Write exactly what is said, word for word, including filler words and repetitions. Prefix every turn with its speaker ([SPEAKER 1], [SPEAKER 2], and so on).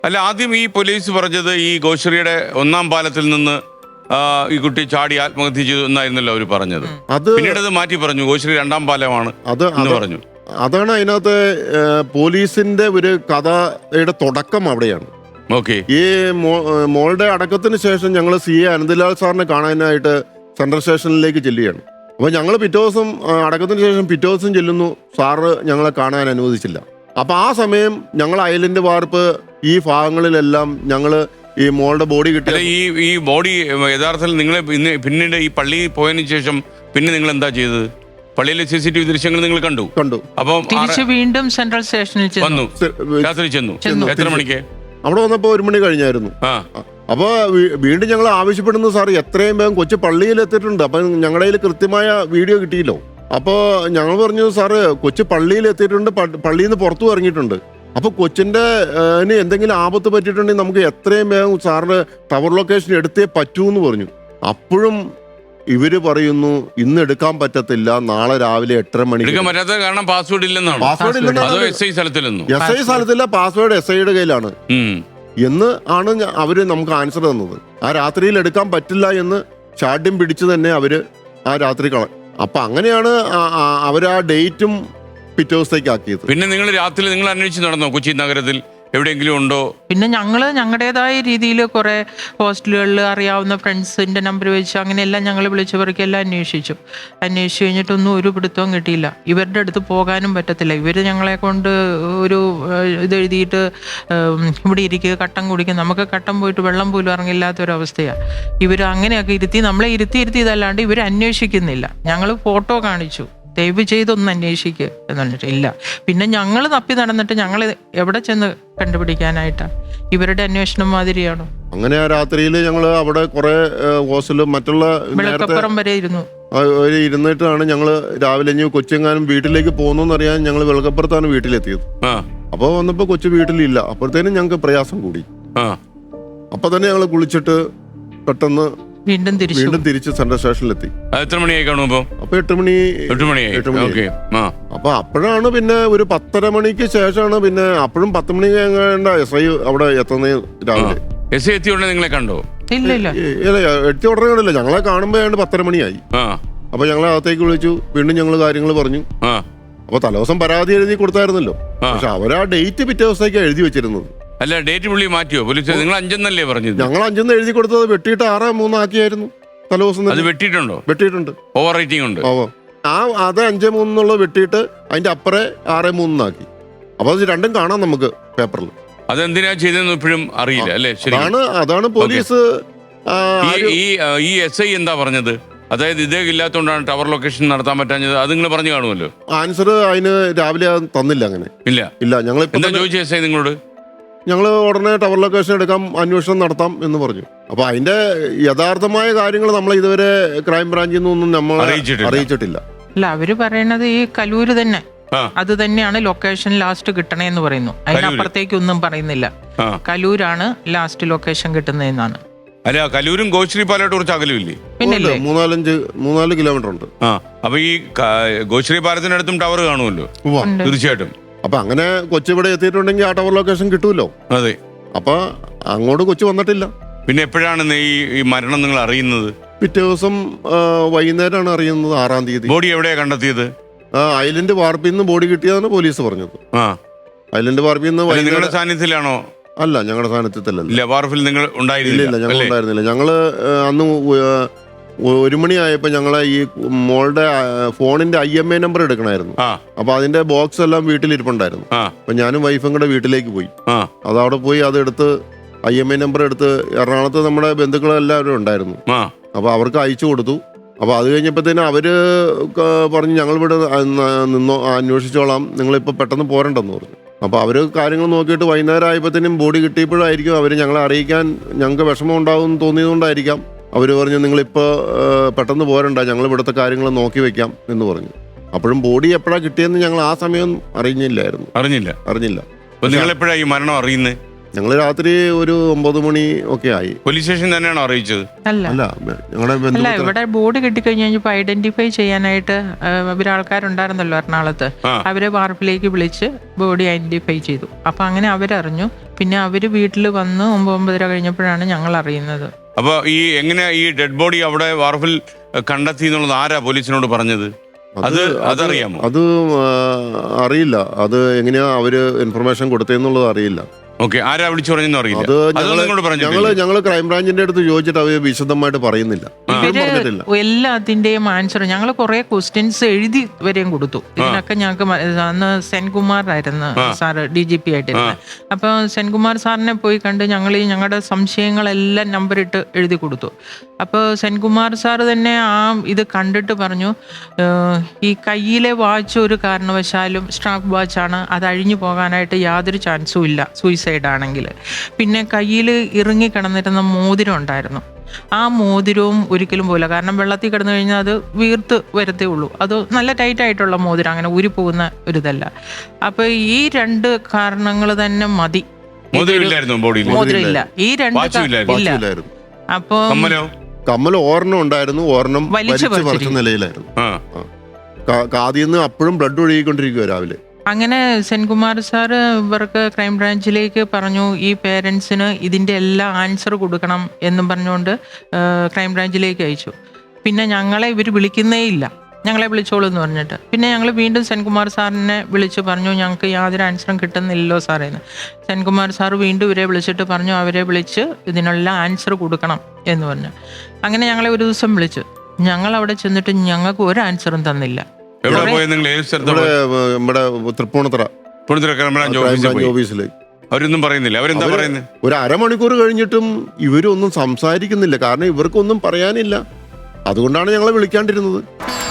[SPEAKER 1] അല്ല, ആദ്യം ഈ പോലീസ് പറഞ്ഞത് ഈ ഗോശ്രീയുടെ ഒന്നാം പാലത്തിൽ നിന്ന് ഈ കുട്ടി ചാടി ആത്മഹത്യ ചെയ്തു എന്നായിരുന്നല്ലോ അവർ പറഞ്ഞത്.
[SPEAKER 2] അത്
[SPEAKER 1] പിന്നീട് അത് മാറ്റി പറഞ്ഞു, ഗോശ്രീ രണ്ടാം പാലമാണ്
[SPEAKER 2] അത്
[SPEAKER 1] എന്ന് പറഞ്ഞു.
[SPEAKER 2] അതാണ് അതിനകത്ത് പോലീസിന്റെ ഒരു കഥയുടെ തുടക്കം അവിടെയാണ്.
[SPEAKER 1] ഓക്കെ.
[SPEAKER 2] ഈ മോളുടെ അടക്കത്തിന് ശേഷം ഞങ്ങൾ സി എ അനന്ത്ലാൽ സാറിനെ കാണാനായിട്ട് സെൻട്രൽ സ്റ്റേഷനിലേക്ക് ചെല്ലുകയാണ്. അപ്പോൾ ഞങ്ങൾ പിറ്റേ ദിവസം അടക്കത്തിന് ശേഷം പിറ്റേ ദിവസം ചെല്ലുന്നു, സാറ് ഞങ്ങളെ കാണാൻ അനുവദിച്ചില്ല. അപ്പം ആ സമയം ഞങ്ങൾ ഐലൻഡ് വാർപ്പ് ഈ ഭാഗങ്ങളിലെല്ലാം ഞങ്ങൾ ഈ മോളുടെ ബോഡി കിട്ടിയ
[SPEAKER 1] ഈ ഈ ബോഡി യഥാർത്ഥത്തിൽ നിങ്ങൾ ഇന്ന് പിന്നീട് ഈ പള്ളിയിൽ പോയതിനു ശേഷം പിന്നെ നിങ്ങൾ എന്താ ചെയ്തത്? പള്ളിയിലെ സി സി ടി വി ദൃശ്യങ്ങൾ നിങ്ങൾ കണ്ടു
[SPEAKER 2] കണ്ടു
[SPEAKER 1] അപ്പം
[SPEAKER 3] തിരിച്ച് വീണ്ടും സെൻട്രൽ സ്റ്റേഷനിൽ
[SPEAKER 1] വന്നു, രാത്രി ചെന്നു. എത്ര മണിക്ക്
[SPEAKER 2] അവിടെ വന്നപ്പോ ഒരു മണി കഴിഞ്ഞായിരുന്നു. അപ്പൊ വീണ്ടും ഞങ്ങൾ ആവശ്യപ്പെടുന്നു, സാർ എത്രയും വേഗം കൊച്ചു പള്ളിയിൽ എത്തിയിട്ടുണ്ട്. അപ്പൊ ഞങ്ങളുടെ കയ്യിൽ കൃത്യമായ വീഡിയോ കിട്ടിയില്ലോ. അപ്പോൾ ഞങ്ങൾ പറഞ്ഞു, സാറ് കൊച്ചു പള്ളിയിൽ എത്തിയിട്ടുണ്ട്, പള്ളിയിൽ നിന്ന് പുറത്തു ഇറങ്ങിയിട്ടുണ്ട്. അപ്പൊ കൊച്ചിന്റെ എന്തെങ്കിലും ആപത്ത് പറ്റിയിട്ടുണ്ടെങ്കിൽ നമുക്ക് എത്രയും വേഗം സാറിന് ടവർ ലൊക്കേഷൻ എടുത്തേ പറ്റൂ എന്ന് പറഞ്ഞു. അപ്പോഴും ഇവര് പറയുന്നു ഇന്ന് എടുക്കാൻ പറ്റത്തില്ല, നാളെ രാവിലെ എട്ടര മണിക്ക്.
[SPEAKER 1] കാരണം പാസ്വേഡ് ഇല്ലെന്നാണ്.
[SPEAKER 2] പാസ്വേഡ് ഇല്ലെന്നാണ്.
[SPEAKER 1] എസ് ഐ സ്ഥലത്തില്ലെന്നു.
[SPEAKER 2] എസ് ഐ സ്ഥലത്തില്ല, പാസ്വേഡ് എസ് ഐയുടെ കയ്യിലാണ് എന്ന് ആണ് അവര് നമുക്ക് ആൻസർ തന്നത്. ആ രാത്രിയിൽ എടുക്കാൻ പറ്റില്ല എന്ന് ഷാഡ്യം പിടിച്ച് തന്നെ അവര് ആ രാത്രി കള. അപ്പൊ അങ്ങനെയാണ് അവർ ആ ഡേറ്റും പിറ്റേ ദിവസത്തേക്ക് ആക്കിയത്.
[SPEAKER 1] പിന്നെ നിങ്ങൾ രാത്രി നിങ്ങൾ അന്വേഷിച്ച് നടന്നോ കൊച്ചി നഗരത്തിൽ എവിടെയെങ്കിലും ഉണ്ടോ?
[SPEAKER 3] പിന്നെ ഞങ്ങൾ ഞങ്ങളുടേതായ രീതിയിൽ കുറെ ഹോസ്റ്റലുകളിൽ അറിയാവുന്ന ഫ്രണ്ട്സിന്റെ നമ്പർ വെച്ച് അങ്ങനെയെല്ലാം ഞങ്ങൾ വിളിച്ചവർക്ക് എല്ലാം അന്വേഷിച്ചു. അന്വേഷിച്ചു കഴിഞ്ഞിട്ടൊന്നും ഒരു പിടുത്തവും കിട്ടിയില്ല. ഇവരുടെ അടുത്ത് പോകാനും പറ്റത്തില്ല. ഇവർ ഞങ്ങളെ കൊണ്ട് ഒരു ഇത് എഴുതിയിട്ട് ഇവിടെ ഇരിക്കുക, കട്ടൻ കുടിക്കുക. നമുക്ക് കട്ടൻ പോയിട്ട് വെള്ളം പോലും ഇറങ്ങില്ലാത്തൊരവസ്ഥയാണ്. ഇവർ അങ്ങനെയൊക്കെ ഇരുത്തി നമ്മളെ ഇരുത്തി ഇരുത്തി ഇതല്ലാണ്ട് ഇവർ അന്വേഷിക്കുന്നില്ല. ഞങ്ങൾ ഫോട്ടോ കാണിച്ചു, ദയവ് ചെയ്തൊന്ന് അന്വേഷിക്കുക എന്നിട്ട് ഇല്ല. പിന്നെ ഞങ്ങൾ തപ്പി നടന്നിട്ട് ഞങ്ങൾ എവിടെ ചെന്ന് കണ്ടുപിടിക്കാനായിട്ടാണ്? ഇവരുടെ അന്വേഷണം മാതിരിയാണോ?
[SPEAKER 2] അങ്ങനെ ആ രാത്രിയിൽ ഞങ്ങൾ അവിടെ കുറെ ഹോസ്റ്റലും മറ്റുള്ള
[SPEAKER 3] വെളുക്കപ്പുറം വരെ ഇരുന്നു
[SPEAKER 2] ഇരുന്നിട്ടാണ് ഞങ്ങൾ രാവിലെ ഇനി കൊച്ചെങ്ങാനും വീട്ടിലേക്ക് പോകുന്നു അറിയാൻ ഞങ്ങൾ വെളുക്കപ്പുറത്താണ് വീട്ടിലെത്തിയത്. അപ്പോൾ വന്നപ്പോൾ കൊച്ചു വീട്ടിലില്ല. അപ്പോഴത്തേനും ഞങ്ങൾക്ക് പ്രയാസം കൂടി. അപ്പൊ തന്നെ ഞങ്ങൾ കുളിച്ചിട്ട് പെട്ടെന്ന്
[SPEAKER 3] വീണ്ടും തിരിച്ചു
[SPEAKER 2] വീണ്ടും തിരിച്ച് സെൻട്രൽ സ്റ്റേഷനിലെത്തി.
[SPEAKER 1] എത്ര മണിയായി കാണുമ്പോ?
[SPEAKER 2] അപ്പൊ എട്ട് മണി
[SPEAKER 1] എട്ട് മണിയായി എട്ട് മണി
[SPEAKER 2] അപ്പൊ അപ്പോഴാണ് പിന്നെ ഒരു പത്തര മണിക്ക് ശേഷമാണ് പിന്നെ അപ്പോഴും പത്ത് മണി കഴിഞ്ഞ എസ് ഐ അവിടെ എത്തുന്നത് രാവിലെ.
[SPEAKER 1] എസ് ഐ എത്തിയ ഉടനെ നിങ്ങളെ കണ്ടോ?
[SPEAKER 3] ഇല്ല ഇല്ല
[SPEAKER 2] എത്തിയ ഉടനെ കണ്ടില്ല. ഞങ്ങളെ കാണുമ്പോഴാണ് പത്തര മണിയായി. അപ്പൊ ഞങ്ങളെ അകത്തേക്ക് വിളിച്ചു, വീണ്ടും ഞങ്ങൾ കാര്യങ്ങൾ പറഞ്ഞു. അപ്പൊ തലേദിവസം പരാതി എഴുതി കൊടുത്തായിരുന്നല്ലോ, പക്ഷെ അവരാ ഡേറ്റ് പിറ്റേ ദിവസത്തേക്ക് എഴുതി വെച്ചിരുന്നത്.
[SPEAKER 1] അല്ല, ഡേറ്റ് പുള്ളി മാറ്റിയോ? പോലീസ് നിങ്ങൾ അഞ്ചെന്നല്ലേ പറഞ്ഞത്?
[SPEAKER 2] ഞങ്ങൾ അഞ്ചെന്ന് എഴുതി കൊടുത്തത് വെട്ടിയിട്ട് ആറ് മൂന്നാക്കിയായിരുന്നു തലേദിവസം.
[SPEAKER 1] അത് വെട്ടിയിട്ടുണ്ടോ?
[SPEAKER 2] വെട്ടിയിട്ടുണ്ട്.
[SPEAKER 1] ഓവർ റൈറ്റിംഗ് ഉണ്ട്.
[SPEAKER 2] ഓ ആ അത് അഞ്ച് മൂന്നുള്ള വെട്ടിയിട്ട് അതിന്റെ അപ്പുറേ ആറ് മൂന്നാക്കി. അപ്പൊ അത് രണ്ടും കാണാം നമുക്ക് പേപ്പറിൽ.
[SPEAKER 1] അതെന്തിനാ ചെയ്തെന്ന് ഇപ്പോഴും അറിയില്ല അല്ലേ?
[SPEAKER 2] അതാണ് അതാണ് പോലീസ്.
[SPEAKER 1] ഈ എസ് ഐ എന്താ പറഞ്ഞത്? അതായത് ഇതേ ഇല്ലാത്തതുകൊണ്ടാണ് ടവർ ലൊക്കേഷൻ നടത്താൻ പറ്റാഞ്ഞത്. അത് നിങ്ങൾ പറഞ്ഞു കാണുമല്ലോ.
[SPEAKER 2] ആൻസർ അതിന് രാവിലെ തന്നില്ല. അങ്ങനെ
[SPEAKER 1] ഇല്ല
[SPEAKER 2] ഇല്ല ഞങ്ങൾ
[SPEAKER 1] എന്താ ചോദിച്ച എസ് ഐ നിങ്ങളോട്?
[SPEAKER 2] ഞങ്ങൾ ഉടനെ ടവർ ലൊക്കേഷൻ എടുക്കാം, അന്വേഷണം നടത്താം എന്ന് പറഞ്ഞു. അപ്പൊ അതിന്റെ യഥാർത്ഥമായ കാര്യങ്ങൾ നമ്മൾ ഇതുവരെ ക്രൈം ബ്രാഞ്ചിൽ നിന്നൊന്നും നമ്മൾ അറിയിച്ചിട്ടില്ല.
[SPEAKER 3] അല്ല, അവര് പറയണത് ഈ കലൂര് തന്നെ അത് തന്നെയാണ് ലൊക്കേഷൻ ലാസ്റ്റ് കിട്ടണേന്ന് പറയുന്നു. അതിനപ്പുറത്തേക്കൊന്നും പറയുന്നില്ല. കലൂരാണ് ലാസ്റ്റ് ലൊക്കേഷൻ കിട്ടുന്നതെന്നാണ്.
[SPEAKER 1] അല്ല, കലൂരും ഗോശ്രീ പാലമായിട്ട് കുറച്ച് അകലുമില്ലേ?
[SPEAKER 3] പിന്നല്ലേ,
[SPEAKER 2] മൂന്നാലഞ്ച് മൂന്നാല് കിലോമീറ്റർ ഉണ്ട്.
[SPEAKER 1] ആ അപ്പൊ ഈ ഗോശ്രീ പാലത്തിനടുത്തും ടവർ കാണുമല്ലോ തീർച്ചയായിട്ടും.
[SPEAKER 2] അപ്പൊ അങ്ങനെ കൊച്ചു ഇവിടെ എത്തിയിട്ടുണ്ടെങ്കിൽ ആ ടവർ ലൊക്കേഷൻ കിട്ടുമല്ലോ.
[SPEAKER 1] അതെ.
[SPEAKER 2] അപ്പൊ അങ്ങോട്ട് കൊച്ചു വന്നിട്ടില്ല.
[SPEAKER 1] പിന്നെ എപ്പോഴാണ് ഈ മരണം നിങ്ങൾ അറിയുന്നത്?
[SPEAKER 2] പിറ്റേ ദിവസം വൈകുന്നേരമാണ് അറിയുന്നത്, ആറാം തീയതി.
[SPEAKER 1] ബോഡി എവിടെയാ കണ്ടെത്തിയത്?
[SPEAKER 2] ഐലൻഡ് വാർപ്പിൽ നിന്ന് ബോഡി കിട്ടിയതാണ് പോലീസ് പറഞ്ഞത്.
[SPEAKER 1] ആ
[SPEAKER 2] ഐലൻഡ് വാർപ്പിൽ നിന്ന്.
[SPEAKER 1] നിങ്ങളുടെ സാന്നിധ്യത്തിലാണോ?
[SPEAKER 2] അല്ല, ഞങ്ങളുടെ സാന്നിധ്യത്തിലല്ല.
[SPEAKER 1] വാർപ്പിൽ നിങ്ങൾ ഉണ്ടായിരുന്നില്ല?
[SPEAKER 2] ഞങ്ങൾ ഉണ്ടായിരുന്നില്ല. ഞങ്ങള് അന്ന് ഒരു മണിയായപ്പോ ഞങ്ങളെ ഈ മോളുടെ ഫോണിന്റെ ഐ എം ഐ നമ്പർ എടുക്കണമായിരുന്നു. അപ്പൊ അതിന്റെ ബോക്സ് എല്ലാം വീട്ടിലിരിപ്പുണ്ടായിരുന്നു. അപ്പൊ ഞാനും വൈഫും കൂടെ വീട്ടിലേക്ക് പോയി. അതവിടെ പോയി അതെടുത്ത് ഐ എം ഐ നമ്പർ എടുത്ത് എറണാകുളത്ത് നമ്മുടെ ബന്ധുക്കളെല്ലാവരും ഉണ്ടായിരുന്നു. അപ്പൊ അവർക്ക് അയച്ചു കൊടുത്തു. അപ്പൊ അത് കഴിഞ്ഞപ്പോഴത്തേനും അവര് പറഞ്ഞു ഞങ്ങളിവിടെ നിന്നോ അന്വേഷിച്ചോളാം, നിങ്ങളിപ്പോ പെട്ടെന്ന് പോരണ്ടെന്ന് പറഞ്ഞു. അപ്പൊ അവര് കാര്യങ്ങൾ നോക്കിയിട്ട് വൈകുന്നേരം ആയപ്പോഴത്തേനും ബോഡി കിട്ടിയപ്പോഴായിരിക്കും അവര് ഞങ്ങളെ അറിയിക്കാൻ ഞങ്ങൾക്ക് വിഷമം ഉണ്ടാവും തോന്നിയതുകൊണ്ടായിരിക്കാം അവർ പറഞ്ഞു നിങ്ങളിപ്പോൾ പെട്ടെന്ന് പോരണ്ട, ഞങ്ങൾ ഇവിടുത്തെ കാര്യങ്ങൾ നോക്കി വെക്കാം എന്ന് പറഞ്ഞു. അപ്പോഴും ബോഡി എപ്പോഴാണ് കിട്ടിയെന്ന് ഞങ്ങൾ ആ സമയം അറിഞ്ഞില്ലായിരുന്നു.
[SPEAKER 1] അറിഞ്ഞില്ല
[SPEAKER 2] അറിഞ്ഞില്ല
[SPEAKER 1] നിങ്ങൾ എപ്പോഴാണ് ഈ മരണം അറിയുന്നത്?
[SPEAKER 2] ഞങ്ങൾ രാത്രി ഒരു ഒമ്പത് മണി ഒക്കെ ആയി.
[SPEAKER 1] പോലീസ് സ്റ്റേഷൻ തന്നെയാണോ അറിയിച്ചത്?
[SPEAKER 3] അല്ല
[SPEAKER 2] അല്ല ഞങ്ങളുടെ
[SPEAKER 3] അല്ല
[SPEAKER 2] ബന്ധു
[SPEAKER 3] ഇവിടെ ബോഡി കിട്ടിക്കഴിഞ്ഞ് കഴിഞ്ഞപ്പോൾ ഐഡന്റിഫൈ ചെയ്യാനായിട്ട് ഇവരാൾക്കാരുണ്ടായിരുന്നല്ലോ എറണാകുളത്ത്. അവരെ വാർപ്പിലേക്ക് വിളിച്ച് ബോഡി ഐഡന്റിഫൈ ചെയ്തു. അപ്പൊ അങ്ങനെ അവരറിഞ്ഞു. പിന്നെ അവര് വീട്ടിൽ വന്ന് ഒമ്പത് ഒമ്പതര കഴിഞ്ഞപ്പോഴാണ് ഞങ്ങൾ അറിയുന്നത്.
[SPEAKER 1] അപ്പൊ ഈ എങ്ങനെ ഈ ഡെഡ് ബോഡി അവിടെ വാർഫിൽ കണ്ടെത്തി എന്നുള്ളത് ആരാ പോലീസിനോട് പറഞ്ഞത്? അത് അതറിയാമോ?
[SPEAKER 2] അത് ആ, അറിയില്ല. അത് എങ്ങനെയാ അവര് ഇൻഫർമേഷൻ കൊടുത്തതെന്നുള്ളത് അറിയില്ല.
[SPEAKER 1] ഓക്കെ, ആരാ വിളിച്ചു പറഞ്ഞെന്ന് അറിയില്ല.
[SPEAKER 2] അത്
[SPEAKER 1] അത് നിങ്ങളോട് പറഞ്ഞു?
[SPEAKER 2] ഞങ്ങള് ഞങ്ങള് ക്രൈംബ്രാഞ്ചിന്റെ അടുത്ത് ചോദിച്ചിട്ട് അവര് വിശദമായിട്ട് പറയുന്നില്ല. ഇപ്പോഴും
[SPEAKER 3] ഇവര്
[SPEAKER 2] പറഞ്ഞിട്ടില്ല.
[SPEAKER 3] എല്ലാത്തിന്റെയും ആൻസർ ഞങ്ങൾ കുറെ ക്വസ്റ്റ്യൻസ് എഴുതി വരെയും കൊടുത്തു. ഇതിനൊക്കെ ഞങ്ങൾക്ക് മ- അന്ന് സെൻകുമാർ ആയിരുന്നു സാറ് ഡി ജി പി ആയിട്ടിരുന്നത്. അപ്പൊ സെൻകുമാർ സാറിനെ പോയി കണ്ട് ഞങ്ങൾ ഈ ഞങ്ങളുടെ സംശയങ്ങളെല്ലാം നമ്പറിട്ട് എഴുതി കൊടുത്തു. അപ്പോൾ സെൻകുമാർ സാറ് തന്നെ ആ ഇത് കണ്ടിട്ട് പറഞ്ഞു, "ഏഹ്, ഈ കയ്യിലെ വാച്ച് ഒരു കാരണവശാലും സ്ട്രാപ്പ് വാച്ചാണ്, അത് അഴിഞ്ഞു പോകാനായിട്ട് യാതൊരു ചാൻസും ഇല്ല സൂയിസൈഡ് ആണെങ്കിൽ. പിന്നെ കയ്യിൽ ഇറുങ്ങി കിടന്നിരുന്ന മോതിരം ഉണ്ടായിരുന്നു, ആ മോതിരവും ഒരിക്കലും പോയില്ല. കാരണം വെള്ളത്തിൽ കിടന്നു കഴിഞ്ഞാൽ അത് വീർത്ത് വരത്തേ ഉള്ളൂ. അത് നല്ല ടൈറ്റ് ആയിട്ടുള്ള മോതിരം, അങ്ങനെ ഊരി പോകുന്ന ഒരിതല്ല. അപ്പൊ ഈ രണ്ട് കാരണങ്ങൾ തന്നെ മതി.
[SPEAKER 1] മോതിരമില്ലായിരുന്നു ബോഡിയിൽ?
[SPEAKER 3] മോതിരം ഇല്ല, ഈ രണ്ട്
[SPEAKER 1] വാച്ചും
[SPEAKER 3] ക-
[SPEAKER 1] ഇല്ലായിരുന്നു?
[SPEAKER 3] ഇല്ല.
[SPEAKER 2] വാച്ചില്ലായിരുന്നു.
[SPEAKER 3] അപ്പൊ
[SPEAKER 1] കമ്മലോ?
[SPEAKER 2] കമ്മൽ ഒരെണ്ണം ഉണ്ടായിരുന്നു, ഒരെണ്ണം
[SPEAKER 3] വലിച്ചു
[SPEAKER 2] വലിച്ചു പറിച്ച
[SPEAKER 3] പറിച്ചിരിക്കും.
[SPEAKER 2] നിലയിലായിരുന്നു.
[SPEAKER 1] ആ
[SPEAKER 2] കാ- കാതിന്ന് അപ്പോഴും ബ്ലഡ് ഒഴുകിക്കൊണ്ടിരിക്കുക രാവിലെ.
[SPEAKER 3] അങ്ങനെ സെൻകുമാർ സാറ് ഇവർക്ക് ക്രൈംബ്രാഞ്ചിലേക്ക് പറഞ്ഞു, ഈ പേരൻസിന് ഇതിൻ്റെ എല്ലാ ആൻസർ കൊടുക്കണം എന്നും പറഞ്ഞുകൊണ്ട് ക്രൈംബ്രാഞ്ചിലേക്ക് അയച്ചു. പിന്നെ ഞങ്ങളെ ഇവർ വിളിക്കുന്നേ ഇല്ല, ഞങ്ങളെ വിളിച്ചോളൂ എന്ന് പറഞ്ഞിട്ട്. പിന്നെ ഞങ്ങൾ വീണ്ടും സെൻകുമാർ സാറിനെ വിളിച്ച് പറഞ്ഞു, ഞങ്ങൾക്ക് യാതൊരു ആൻസറും കിട്ടുന്നില്ലല്ലോ സാറേന്ന്. സെൻകുമാർ സാർ വീണ്ടും ഇവരെ വിളിച്ചിട്ട് പറഞ്ഞു, അവരെ വിളിച്ച് ഇതിനുള്ള ആൻസർ കൊടുക്കണം എന്ന് പറഞ്ഞു. അങ്ങനെ ഞങ്ങളെ ഒരു ദിവസം വിളിച്ചു. ഞങ്ങൾ അവിടെ ചെന്നിട്ട് ഞങ്ങൾക്ക് ഒരു ആൻസറും തന്നില്ല.
[SPEAKER 1] എവിടെ പോയത് നിങ്ങൾ? ഏത് സ്ഥലത്ത്
[SPEAKER 2] ഇവിടെ ഏ, നമ്മുടെ തൃപ്പൂണിത്തറ
[SPEAKER 1] കൊടുത്തിട്ട് ക്രൈംബ്രാഞ്ച് ഓഫീസിൽ
[SPEAKER 2] ക്രൈംബ്രാഞ്ച്
[SPEAKER 1] പോയി?
[SPEAKER 2] ഓഫീസിലേക്ക്
[SPEAKER 1] അവരൊന്നും പറയുന്നില്ല? അവരെന്താ
[SPEAKER 2] അവര്
[SPEAKER 1] പറയുന്നത്?
[SPEAKER 2] ഒരു അരമണിക്കൂർ കഴിഞ്ഞിട്ടും ഇവരൊന്നും സംസാരിക്കുന്നില്ല. കാരണം ഇവർക്കൊന്നും പറയാനില്ല. അതുകൊണ്ടാണ് ഞങ്ങളെ വിളിക്കാണ്ടിരുന്നത്.